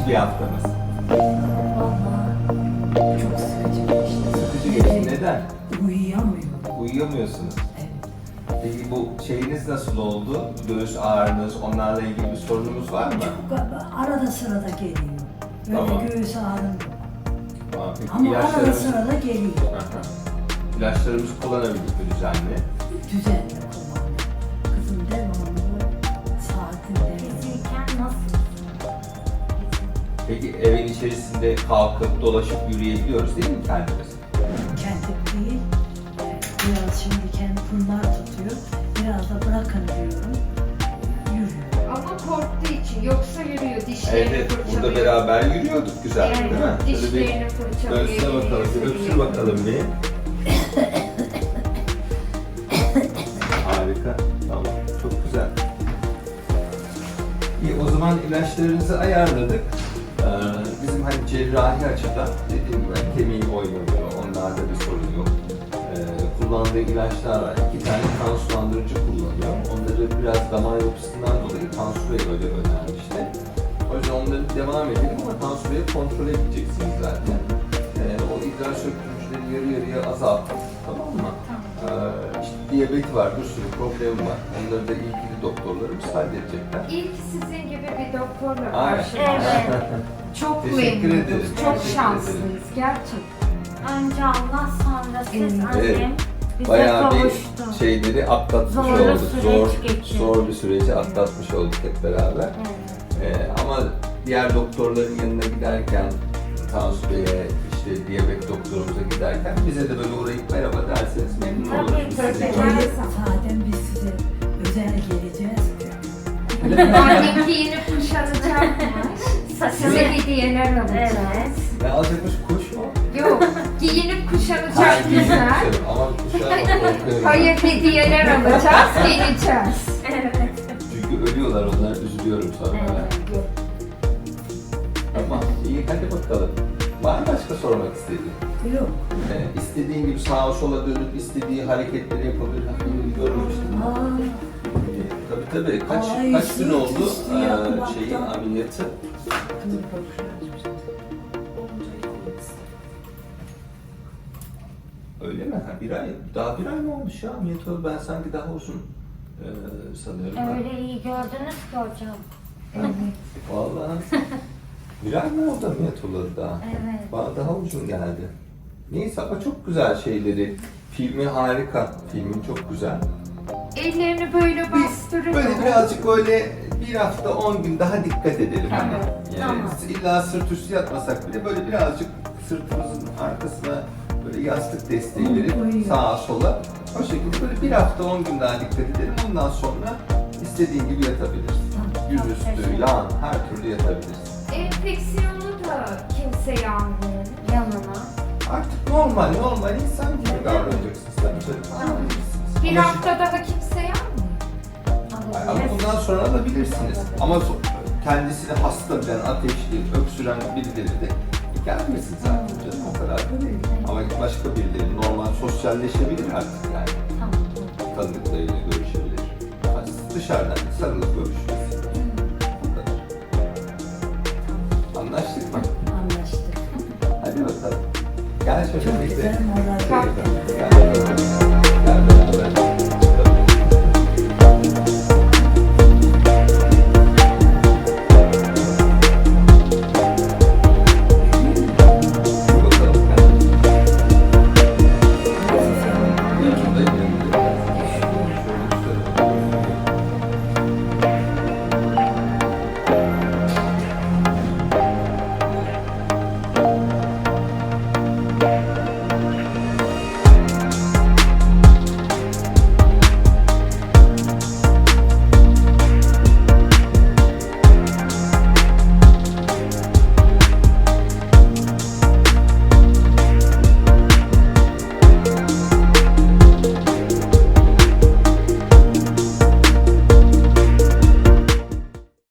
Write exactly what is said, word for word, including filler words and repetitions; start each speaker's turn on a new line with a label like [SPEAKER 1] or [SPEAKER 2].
[SPEAKER 1] bir haftamız?
[SPEAKER 2] Vallahi çok sıkıcı geçti.
[SPEAKER 1] Sıkıcı geçti. Neden?
[SPEAKER 2] Uyuyamıyorum.
[SPEAKER 1] Uyuyamıyorsunuz.
[SPEAKER 2] Evet.
[SPEAKER 1] Peki bu şeyiniz nasıl oldu? Göğüs ağrınız, onlarla ilgili bir sorunumuz var mı?
[SPEAKER 2] Çok arada sırada geliyor. Böyle
[SPEAKER 1] Tamam.
[SPEAKER 2] göğüs ağrım yok.
[SPEAKER 1] Tamam, peki
[SPEAKER 2] Ama arada
[SPEAKER 1] ilaçlarımız...
[SPEAKER 2] sırada geliyor.
[SPEAKER 1] Aha. İlaçlarımızı kullanabildik mi düzenli?
[SPEAKER 2] Düzenli kullandım. Kızım devamlı saatinde.
[SPEAKER 3] Fiziken nasıl?
[SPEAKER 1] Peki evin içerisinde kalkıp dolaşıp yürüyebiliyoruz değil mi kendimiz?
[SPEAKER 2] Kendim değil. e, Biraz şimdi kendi bunlar tutuyor. Biraz da bırakın diyorum. Yürüyor.
[SPEAKER 4] Ama korktuğu için yoksa yürüyor dişlerini
[SPEAKER 1] Evet,
[SPEAKER 4] fırçalıyor.
[SPEAKER 1] burada beraber yürüyorduk güzel değil mi?
[SPEAKER 4] Evet,
[SPEAKER 1] Şöyle bir
[SPEAKER 4] dişlerini fırçalıyor.
[SPEAKER 1] göğsüne bakalım, bir
[SPEAKER 4] yürüyor.
[SPEAKER 1] öpsür bakalım bir. Harika, tamam, çok güzel. İyi, o zaman ilaçlarınızı ayarladık. Ee, bizim hani cerrahi açıdan dediğim gibi hani kemiği oynamıyor, onlarda bir sorun yok. Ee, kullandığı ilaçlar var, iki tane kan sulandırıcı kullanıyor. Onları biraz damar yapısından dolayı Tansu Bey öyle önermişti. O yüzden onları devam edelim ama Tansu Bey'i kontrol edeceksiniz zaten. Ee, o idrar söktürücüleri yarı yarıya azaltın, tamam mı? Ee, işte diyabeti var, bir sürü problemi var. Onları da ilgili doktorlarımız halledecekler.
[SPEAKER 4] İlk sizin gibi bir doktorla
[SPEAKER 1] Aynen.
[SPEAKER 4] karşılaştık.
[SPEAKER 3] Evet.
[SPEAKER 4] Çok
[SPEAKER 1] Teşekkür
[SPEAKER 4] memnunuz,
[SPEAKER 1] ederim.
[SPEAKER 4] çok
[SPEAKER 1] Teşekkür
[SPEAKER 4] şanslıyız gerçekten.
[SPEAKER 3] Önce Allah sonra siz
[SPEAKER 4] Evet.
[SPEAKER 3] annem bize
[SPEAKER 1] Bayağı
[SPEAKER 3] kavuştu.
[SPEAKER 1] bir şeyleri atlatmış
[SPEAKER 3] Zorlu
[SPEAKER 1] olduk.
[SPEAKER 3] süreç
[SPEAKER 1] Zor,
[SPEAKER 3] geçirdik.
[SPEAKER 1] zor bir süreci atlatmış olduk hep beraber.
[SPEAKER 3] Evet.
[SPEAKER 1] Ee, ama diğer doktorların yanına giderken, Tansu Bey'e, işte diyabet doktorumuza giderken bize de böyle uğrayıp merhaba derseniz memnun
[SPEAKER 3] Tabii,
[SPEAKER 1] oluruz.
[SPEAKER 3] tabii.
[SPEAKER 1] Sizi
[SPEAKER 3] Her
[SPEAKER 1] görürüz.
[SPEAKER 2] Zaten biz size özel geleceğiz.
[SPEAKER 4] Annem giyinip kuşanacakmış.
[SPEAKER 3] Saçını
[SPEAKER 4] Size hediyeler alacağız.
[SPEAKER 3] Evet.
[SPEAKER 1] Ne alacakmış, kuş mu?
[SPEAKER 4] Yok, giyinip kuşanacak
[SPEAKER 1] Hayır,
[SPEAKER 4] güzel.
[SPEAKER 1] kuşarım ama kuşağa korkuyorum.
[SPEAKER 4] Hayır, hediyeler alacağız, geleceğiz.
[SPEAKER 3] Evet.
[SPEAKER 1] Çünkü ölüyorlar, onlara üzülüyorum sonra.
[SPEAKER 3] Evet.
[SPEAKER 1] Tamam, iyi hadi bakalım. Var mı başka sormak istediğin?
[SPEAKER 2] Yok.
[SPEAKER 1] Ee, istediğin gibi sağa sola dönüp istediği hareketleri yapabilir. Hani görmüştüm.
[SPEAKER 2] Aa,
[SPEAKER 1] Ee, tabii tabii. Kaç
[SPEAKER 2] Ay,
[SPEAKER 1] kaç gün oldu
[SPEAKER 2] üstü
[SPEAKER 1] ee,
[SPEAKER 2] yapmaktan.
[SPEAKER 1] şeyin ameliyatı? Öyle mi? Ha, bir ay. Daha bir ay mı olmuş ya ameliyat oldu? Ben sanki daha uzun ee, sanıyorum.
[SPEAKER 3] Öyle iyi gördünüz ki hocam.
[SPEAKER 1] Vallahi. Bir ay mı oldu ameliyat olalı daha?
[SPEAKER 3] Evet.
[SPEAKER 1] Bana daha uzun geldi. Neyse ama çok güzel şeyleri. Filmi harika. Filmin çok güzel.
[SPEAKER 4] Ellerini böyle bastırıyor.
[SPEAKER 1] Böyle birazcık böyle bir hafta on gün daha dikkat edelim hani. Yani
[SPEAKER 3] Tamam.
[SPEAKER 1] illa sırt üstü yatmasak bile böyle birazcık sırtımızın arkasına böyle yastık desteği verip sağa sola. O şekilde böyle bir hafta on gün daha dikkat edelim. Ondan sonra istediğin gibi yatabilirsin. Yüzüstü, yan, her türlü yatabilirsin.
[SPEAKER 4] Enfeksiyonu da kimseye almayın yanına.
[SPEAKER 1] Artık normal, normal insan gibi davranacaksınız tabii canım. Alabilirsiniz.
[SPEAKER 4] Bir
[SPEAKER 1] Ama
[SPEAKER 4] hafta daha kimseye almayın.
[SPEAKER 1] Ay, Ama bundan sonra alabilirsiniz. Ama so- kendisini hasta bilen, ateşli, öksüren birileri de gelmesin zaten canım. O kadar da değil. Ama başka birileri normal sosyalleşebilir artık yani.
[SPEAKER 3] Tamam.
[SPEAKER 1] Tanıdıklarıyla görüşebilir. Hani dışarıdan sarılıp görüşürüz. O kadar. Anlaştık mı?
[SPEAKER 2] anlaştık.
[SPEAKER 1] Hadi bakalım. Gel şöyle
[SPEAKER 2] Çok
[SPEAKER 1] bir de.
[SPEAKER 2] güzel moral.
[SPEAKER 1] Gel.